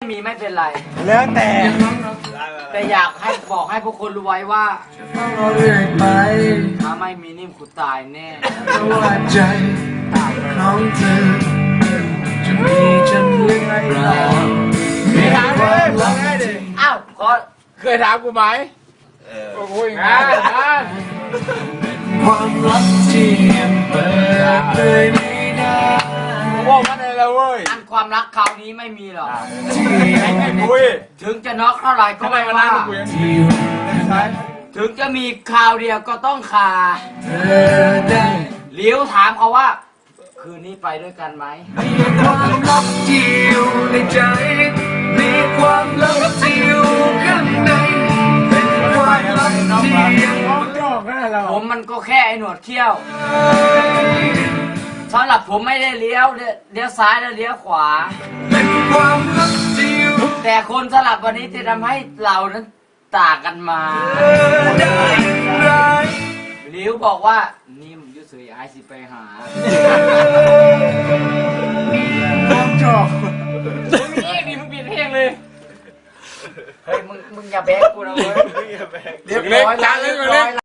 มีไม่เป็นไรแล้วแต่อยากให้บอกให้พวกคนรู้ไว้ว่าต้องรอเรื่อยไปถ้าไม่มีนิ่มกูตายแน่เพราะว่าใจของเธอจะมีฉันหรือไม่เรามีความรักที่อ้าวขอเคยถามกูไหมโอ้ยงานความรักที่ยังเปิดเผยไม่ได้บอกมันเลยแล้วเว้ยอันความรักคราวนี้ไม่มีหรอกที่ไอ้ไงคุยถึงจะน็อกเท่าไหร่ก็ทำไมไม่มานั่ว่างคุยที่ใช้ถึงจะมีคราวเดียวก็ต้องคาเธอได้เลี้ยวถามเขาว่า คืนนี้ไปด้วยกันไหมมีความรักที่อยู่ในใจ มีความรักที่อยู่ข้างในเป็นความรักที่ยังผมมันก็แค่ไอ้หนวดเขี้ยวสำหรับผมไม่ได้เลี้ยวซ้ายและเลี้ยวขวาเป็นความรักที่อยู่แต่คนสลับวันนี้จะทำให้เรานั้นต่างกันมาได้ไรหลิวบอกว่านิ่มยุสยไอสิไปหาความชอบมึงมีเองดิมึงเปลี่ยนเพลงเลยเฮ้ยมึงอย่าแบกกูนะเว้ยเรียบร้อยล้างเลย